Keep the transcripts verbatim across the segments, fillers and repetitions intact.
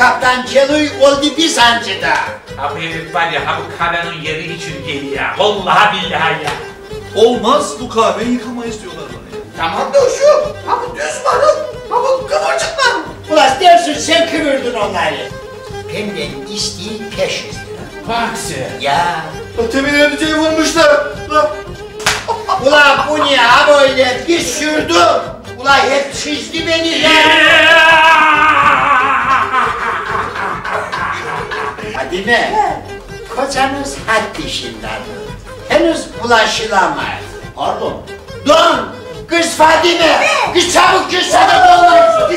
Kaptan Keloy oldu bir sancıda. Ha bu herif var ya, ha bu kahvenin yeri için geliyor ya. Vallahi billahi ya. Olmaz, bu kahveyi yıkamayız diyorlar bana ya. Tamam da şu, ha bu düz marul, ha bu kıvırcık marul. Ulan dersin sen kıvırdın onları. Benden isteği beş yüz lira. Bak sen. Ya. Temin edeceği vurmuşlar. Ulan bu ne ha böyle bir sürdü. Ulan hep çizdi beni ya. Fadime, kocanız had dişindadır. Henüz bulaşılamaz. Pardon. Don! Kız Fadime! Kız çabuk kız sana dolmaz!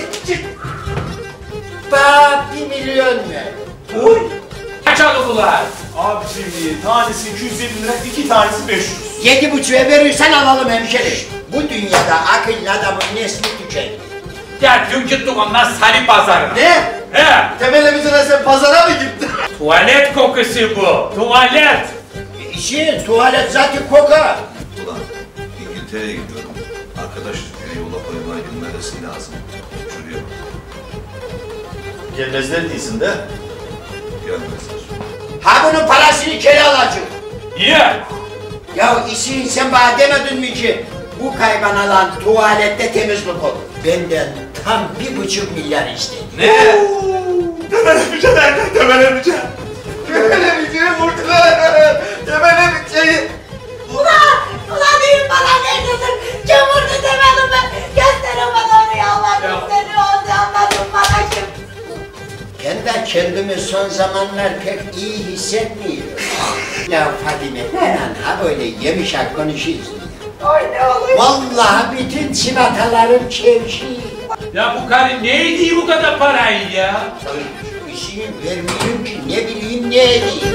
Bana bir milyon ver. Uy! Kaç aldılar? Abi şimdi tanesi iki yüz elli lira, iki tanesi beş yüz. Yedi buçuğa verirsen alalım hemşerim. Bu dünyada akıllı adamın nesli tükendi. Ya dün gittik ondan Salı pazarına. Ne? He. Temel amcana sen pazara mı gittin? Tuvalet kokusu bu. Tuvalet. İşin tuvalet zaten kokar. Ulan İngiltere'ye gidiyorum. Arkadaş beni yola koymaya göndermesi lazım. Şuraya bak. Gelmezler değilsin de. Gelmezler. Ha bunun parasını geri alacağım. Niye? Ya işin sen bana demedin mi ki bu kaybanalan tuvalette temizlik olur. Benden tam bir buçuk milyar istedi. Ne? Temel amca nerede? Temel amca. Temel amcayı vurdular. Temel amcayı. Ulan! Ulan deyin bana neredesin? Kim vurdu demedim ben. Gösterin bana onu ya Allah gösterin onu anladın bana kim? Ben de kendimi son zamanlar pek iyi hissetmiyorum. Ya Fadime, inan ha böyle yemişak konuşuyorsun. Oy ne oluyor? Vallahi bütün çivatalarım çevşi. Ya bu karı neydi bu kadar parayı ya? İşini vermiyorum ki ne bileyim neydi.